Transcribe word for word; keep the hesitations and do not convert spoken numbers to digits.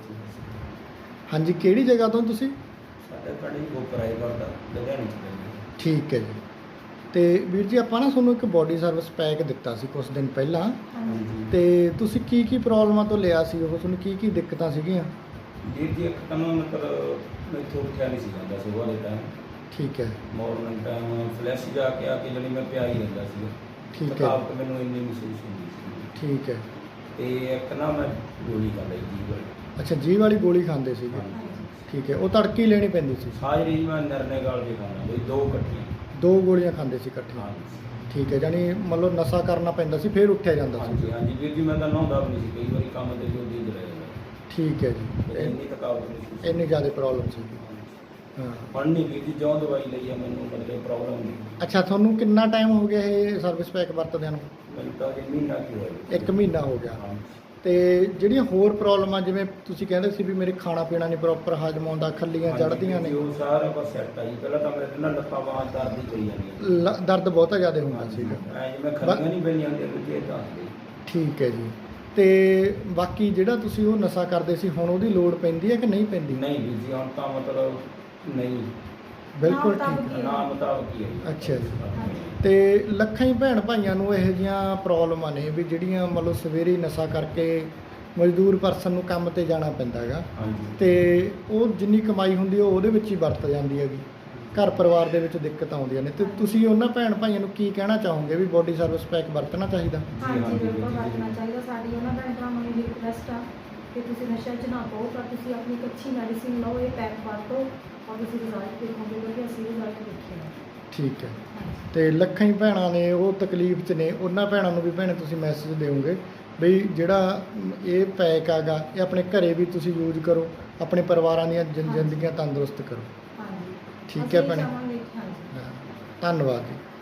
हाँ जी, किहड़ी जगह तो तुसीं? ਸਾਡੇ ਪਿੰਡ ਜੀ ਗੋਪਰਾਏ ਦਾ ਲੁਧਿਆਣੇ ਚ ਪੈਂਦਾ। ठीक है जी। ਤੇ ਵੀਰ ਜੀ ਆਪਾਂ ਨਾ ਤੁਹਾਨੂੰ ਇੱਕ ਬੋਡੀ ਸਰਵਿਸ ਪੈਕ ਦਿੱਤਾ ਸੀ ਕੁਝ ਦਿਨ ਪਹਿਲਾਂ, ਹਾਂਜੀ ਤੇ ਤੁਸੀਂ ਕੀ ਕੀ ਪ੍ਰੋਬਲਮਾਂ ਤੋਂ ਲਿਆ ਸੀ ਉਹ, ਤੁਹਾਨੂੰ ਕੀ ਕੀ ਦਿੱਕਤਾਂ ਸੀਗੀਆਂ? ਵੀਰ ਜੀ ਇੱਕ ਤਾਂ ਨਾ ਮਤਲਬ ਮੈਥੋਂ ਉੱਠਿਆ ਨਹੀਂ ਸੀ ਜਾਂਦਾ ਸੁਬਾਹ ਦੇ ਟਾਈਮ, ਠੀਕ ਹੈ ਮਾਰਨਿੰਗ ਟਾਈਮ ਫਲੈਸ਼ ਜਾ ਕੇ ਆ ਕੇ ਜਿਹੜੀ ਮੈਂ ਪਿਆ ਹੀ ਰਹਿੰਦਾ ਸੀ। ਠੀਕ ਹੈ ਥਕਾਵਟ ਮੈਨੂੰ ਇੰਨੀ ਮਹਿਸੂਸ ਹੁੰਦੀ ਸੀ। ਠੀਕ ਹੈ। ਤੇ ਇੱਕ ਨਾ ਮੈਂ ਗੋਲੀ ਖਾ ਲਈ ਜੀ ਵਾਲੀ। ਅੱਛਾ, ਜੀ ਵਾਲੀ ਗੋਲੀ ਖਾਂਦੇ ਸੀਗੇ? ਹਾਂਜੀ। ਠੀਕ ਹੈ, ਉਹ ਤੜਕੀ ਹੀ ਲੈਣੀ ਪੈਂਦੀ ਸੀ? ਸਾਜਰੀ ਮੈਂ ਨਿਰਣੇ ਗਾਲ ਵੀ ਖਾਣਾ ਬਈ ਦੋ ਇਕੱਠੀਆਂ, ਦੋ ਗੋਲੀਆਂ ਖਾਂਦੇ ਸੀ ਇਕੱਠੀਆਂ? ਹਾਂਜੀ ਠੀਕ ਹੈ, ਜਾਨੀ ਮਤਲਬ ਨਸ਼ਾ ਕਰਨਾ ਪੈਂਦਾ ਸੀ ਫਿਰ ਉੱਠਿਆ ਜਾਂਦਾ ਸੀ? ਹਾਂਜੀ ਹਾਂਜੀ ਵੀਰ ਜੀ, ਮੈਂ ਤਾਂ ਨਹਾਉਂਦਾ ਵੀ ਨਹੀਂ ਸੀ, ਕਈ ਵਾਰੀ ਕੰਮ ਤੇ ਜਲਦੀ ਰਹਿ ਜਾਂਦਾ। ਠੀਕ ਹੈ ਜੀ। ਤੇ ਇੰਨੀ ਥਕਾਵਟ ਮਹਿਸੂਸ ਸੀ। ਇੰਨੀ ਜ਼ਿਆਦਾ ਪ੍ਰੋਬਲਮ ਸੀ? ਹਾਂ। ਹੁਣ ਨਹੀਂ ਵੀਰ ਜੀ, ਜੋ ਦਵਾਈ ਲਈ ਆ ਮੈਨੂੰ ਮਤਲਬ ਪ੍ਰੋਬਲਮ ਨਹੀਂ। ਅੱਛਾ, ਤੁਹਾਨੂੰ ਕਿੰਨਾ ਟਾਈਮ ਹੋ ਗਿਆ ਇਹ ਸਰਵਿਸ ਪੈਕ ਵਰਤਦਿਆਂ ਨੂੰ? ਮੈਨੂੰ ਤਾਂ ਇਹ ਮਹੀਨਾ ਕੀ ਹੋਇਆ। ਇੱਕ ਮਹੀਨਾ ਹੋ ਗਿਆ। ਹਾਂਜੀ। ਤੇ ਜਿਹੜੀਆਂ ਹੋਰ ਪ੍ਰੋਬਲਮਾਂ, ਜਿਵੇਂ ਤੁਸੀਂ ਕਹਿੰਦੇ ਸੀ ਵੀ ਮੇਰੇ ਖਾਣਾ ਪੀਣਾ ਨਹੀਂ ਪ੍ਰੋਪਰ ਹਜਮ ਆਉਂਦਾ, ਖੱਲੀਆਂ ਚੜ੍ਹਦੀਆਂ ਨੇ, ਉਹ ਸਾਰਾ ਕੁਝ ਸੈੱਟ ਆ ਜੀ। ਪਹਿਲਾਂ ਤਾਂ ਮੇਰੇ ਨਾਲ ਲੱਤਾਂ ਬਾਹਾਂ ਦਰਦ ਹੀ ਕਰੀ ਜਾਂਦੀਆਂ, ਲ- ਦਰਦ ਬਹੁਤਾ ਜ਼ਿਆਦਾ ਹੁੰਦਾ ਸੀਗਾ? ਐ ਜਿਵੇਂ ਖੱਲੀਆਂ ਨਹੀਂ ਪੈਂਦੀਆਂ ਹੁੰਦੀਆਂ ਦੂਜੇ ਤਾਂ। ਠੀਕ ਹੈ ਜੀ। ਤੇ ਬਾਕੀ ਜਿਹੜਾ ਤੁਸੀਂ ਉਹ ਨਸ਼ਾ ਕਰਦੇ ਸੀ, ਹੁਣ ਉਹਦੀ ਲੋੜ ਪੈਂਦੀ ਹੈ ਕਿ ਨਹੀਂ ਪੈਂਦੀ? ਨਹੀਂ ਵੀਰ ਜੀ, ਹੁਣ ਤਾਂ ਮਤਲਬ ਨਹੀਂ, ਬਿਲਕੁਲ ਠੀਕ ਹੈ। ਨਾ ਮੁਤਾਬਕ ਹੀ ਹੈ ਜੀ। ਅੱਛਾ ਜੀ। ਤੇ ਲੱਖਾਂ ਹੀ ਭੈਣ ਭਾਈਆਂ ਨੂੰ ਇਹੋ ਜਿਹੀਆਂ ਪ੍ਰੋਬਲਮਾਂ ਨੇ ਵੀ ਜਿਹੜੀਆਂ ਮਤਲਬ ਸਵੇਰੇ ਹੀ ਨਸ਼ਾ ਕਰਕੇ ਮਜ਼ਦੂਰ ਪਰਸਨ ਨੂੰ ਕੰਮ ਤੇ ਜਾਣਾ ਪੈਂਦਾ ਹੈਗਾ, ਹਾਂਜੀ। ਤੇ ਉਹ ਜਿੰਨੀ ਕਮਾਈ ਹੁੰਦੀ ਉਹ ਉਹਦੇ ਵਿੱਚ ਹੀ ਵਰਤ ਜਾਂਦੀ ਹੈਗੀ, ਘਰ ਪਰਿਵਾਰ ਦੇ ਵਿੱਚ ਦਿੱਕਤ ਆਉਂਦੀਆਂ ਨੇ। ਤੇ ਤੁਸੀਂ ਉਹਨਾਂ ਭੈਣ ਭਾਈਆਂ ਨੂੰ ਕੀ ਕਹਿਣਾ ਚਾਹੋਗੇ ਵੀ ਬੋਡੀ ਸਰਵਿਸ ਪੈਕ ਵਰਤਣਾ ਚਾਹੀਦਾ? ਹਾਂਜੀ ਬਿਲਕੁਲ ਵਰਤਣਾ ਚਾਹੀਦਾ। ਸਾਡੀ ਉਹਨਾਂ ਭੈਣ ਭਰਾਵਾਂ ਨੂੰ ਇਹ ਰਿਕੁਐਸਟ ਆ ਕਿ ਤੁਸੀਂ ਨਸ਼ਾ 'ਚ ਨਾ ਪਾਓ, ਪਰ ਤੁਸੀਂ ਆਪਣੀ ਇੱਕ ਅੱਛੀ ਮੈਡੀਸਿਨ ਲਓ, ਇਹ ਪੈਕ ਵਰਤੋ ਔਰ ਤੁਸੀਂ ਰਿਜ਼ਲਟ ਦੇਖੋਗੇ, ਵਧੀਆ ਅਸੀਂ ਰਿਜ਼ਲਟ ਦੇਖੇ ਆ। ਠੀਕ ਹੈ। ਤੇ ਲੱਖਾਂ ਹੀ ਭੈਣਾਂ ਨੇ ਉਹ ਤਕਲੀਫ 'ਚ ਨੇ, ਉਹਨਾਂ ਭੈਣਾਂ ਨੂੰ ਵੀ ਭੈਣੇ ਤੁਸੀਂ ਮੈਸੇਜ ਦਿਓਗੇ ਵੀ ਜਿਹੜਾ ਇਹ ਪੈਕ ਹੈਗਾ ਇਹ ਆਪਣੇ ਘਰੇ ਵੀ ਤੁਸੀਂ ਯੂਜ਼ ਕਰੋ, ਆਪਣੇ ਪਰਿਵਾਰਾਂ ਦੀਆਂ ਜ਼ਿੰ- ਜ਼ਿੰਦਗੀਆਂ ਤੰਦਰੁਸਤ ਕਰੋ। ਹਾਂਜੀ ਠੀਕ ਹੈ ਭੈਣੇ। ਅਸੀਂ ਇਹ ਚਾਹਾਂਗੇ। ਹਾਂਜੀ। ਹਾਂ, ਧੰਨਵਾਦ ਜੀ।